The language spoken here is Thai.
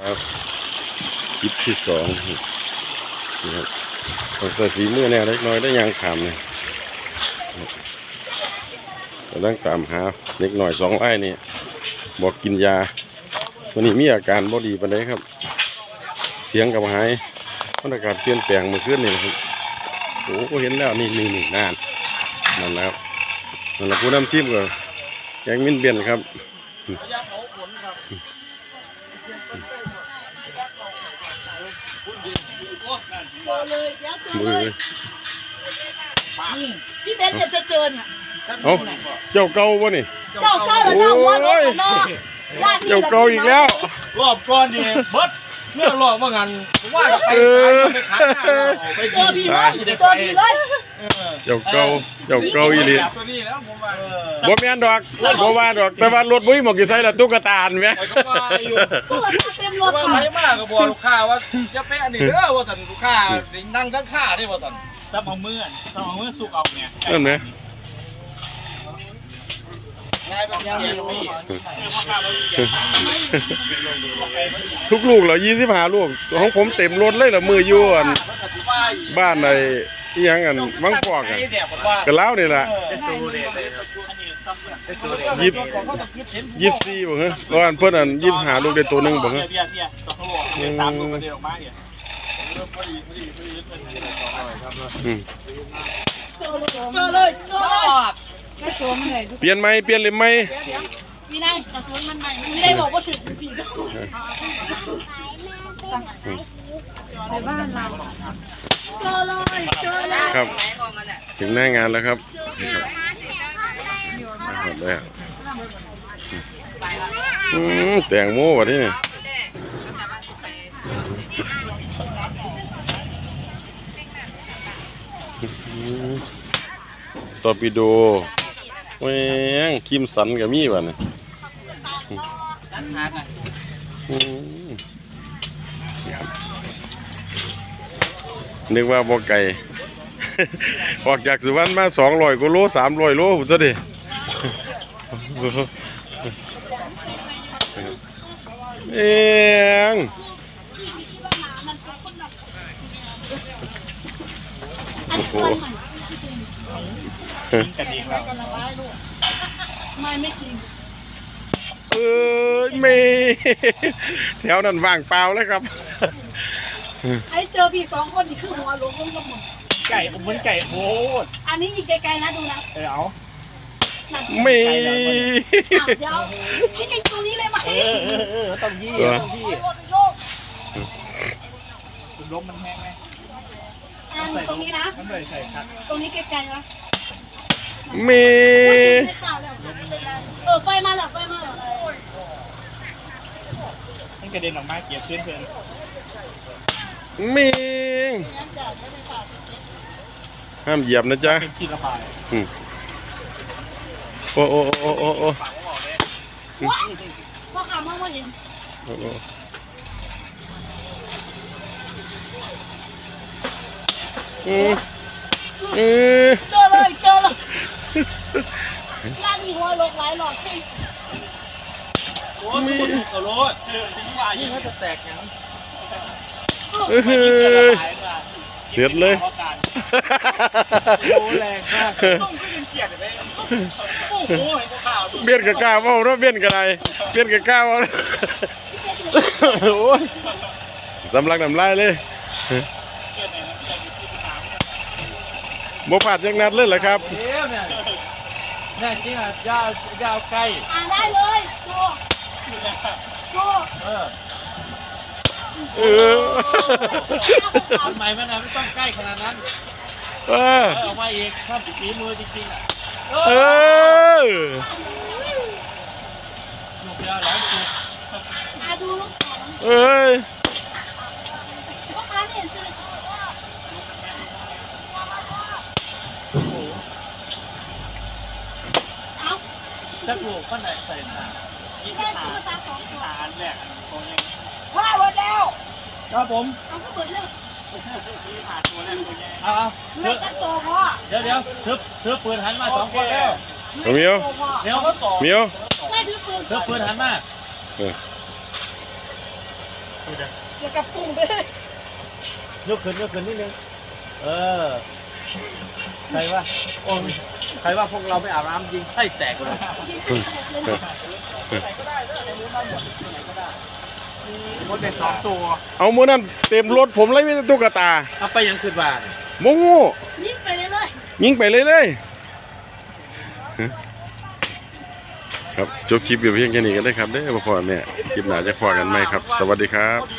ครับคลิปที่สองนะครับต้องใส่ฝีมือแน่เล็กน้อยได้ยางขามเนี่ยกำลังตามหาเล็กหน่อย2 ไร่นี่บอกกินยาวันนี้มีอาการบ่ดีปานใดครับเสียงกับหายบรรยากาศเปลี่ยนแปลงเมื่อคืนนี่นะครับโอ้เห็นแล้วนี่นั่นแล้วนั่นแหละผู้นำทีมก็แกงมินเบียนครับมือพี่เบนจะเจอเนี่ยเอ้าเจ้าเก่าวะนี่เจ้าเก่าแล้วน้องวัวรถเนาะเจ้าเก่าอีกแล้วรอบก่อนนี่เบิดเมื่อรอบว่างันว่าไปขายไปเจอพี่เลยเจ้าเก่าอีหลีตัวนี้แล้วผมว่าบ่แม่นดอกบ่ว่าดอกแต่ว่ารถบ่มีหมอกอยู่ใส่ละตุ๊กตาแม่ตุ๊กตาเต็มรถค่ะไปมากก็บอกลูกค้าว่าจะไปอันนี้เด้อว่าซั่นลูกค้านั่งข้างๆนี่ว่าซั่นซับเอามือสุกเอาเนี่ยนั่นแหละทุกลูกเหรอ25 ลูกของผมเต็มรถเลยเหรอมืออยู่บ้านในที่ยังกันวังปอกกันกันแล้วนี่แหละ24บ่ฮะร้อนเพิ่นอัน25 ลูกได้ตัวนึงบ่ฮะเจอเลยเปลี่ยนไหมเปลี่ยนเลยไหมมีนายกระสุนมันใหม่ไม่ได้บอกว่าถึงผีในบ้านเราเจอเลยครับถึงหน้างานแล้วครับเลยแตงโมวะที่นี่ตอร์ปิโดแหวงคิมสันกับมีบ่เนี่ยนึกว่าบ่ไก่ออกจากสุวรรณมา200 กว่าโล300 โลผมจะดิเองโอ้โหกันเองแล้วไม่จริงเมแถวนั้นว่างเปล่าแล้วครับไอ้เจอพี่2 คนนี่คือหัวลงกับหมดไก่ผมเหมือนไก่โอ้อันนี้อีกไกลๆนะดูนะเอาเมเดี๋ยวให้ยิงตรงนี้เลยไหมต้องยี่ล้มมันแห้งไหมตรงนี้นะตรงนี้ไกลๆนะเมไฟมาแล้วให้กระเด็นออกมาเกียบเพื่อนเมห้ามเหยียบนะจ๊ะเป็นที่ระบายโอ้พ่อขามาเห็นเจอเลยร้านมีหัวลกหลายหลอดใช่โอ้มีกระโดดถึงว่ายิ่งเขาจะแตกอย่างเสียดเลยโอ้แรงมากต้องขึ้นเขียดเลยโอ้โหเบี้ยนกับก้าวเอาเบี้ยนกับอะไรเบี้ยนกับก้าวเอาโอ้ยสำลักน้ำลายเลยโมผ่านยังนัดเลยเหรอครับนี่จริงอ่ะยาวไกลได้เลยทำไมไม่ต้องใกล้ขนาดนั้นออกมาอีกถ้าฝีมือจริงๆอ่ะจุกยาวหลายจุกดูพ่อค้าเห็นสิถ้าปลูกก็ไหนใส่ถาแหลกตรงนี้ว่าหมดแล้วครับผมเอาก็เปิดเรื่องไม่จะโตพ่อเดี๋ยวเธอปืนหันมา2 คนแล้วเมียวไม่ถือปืนเธอปืนหันมาเกี่ยวกับปุ้งไปเลยยกขึ้นนิดนึงใครว่าพวกเราไม่อาบน้ำจริงไส้แตกเลยมดเป็น2 ตัวเอามื้อนั้นเต็มรถผมเลยมีแต่ตุ๊กตาเอาไปยังขึ้นบ้านโมงูยิงไปเลยเลยยิงไปเลยครับจบคลิปอยู่เพียงแค่นี้กันได้ครับเด้อพ่อแม่คลิปหน้าจะพอกันไหมครับ สวัสดีครับ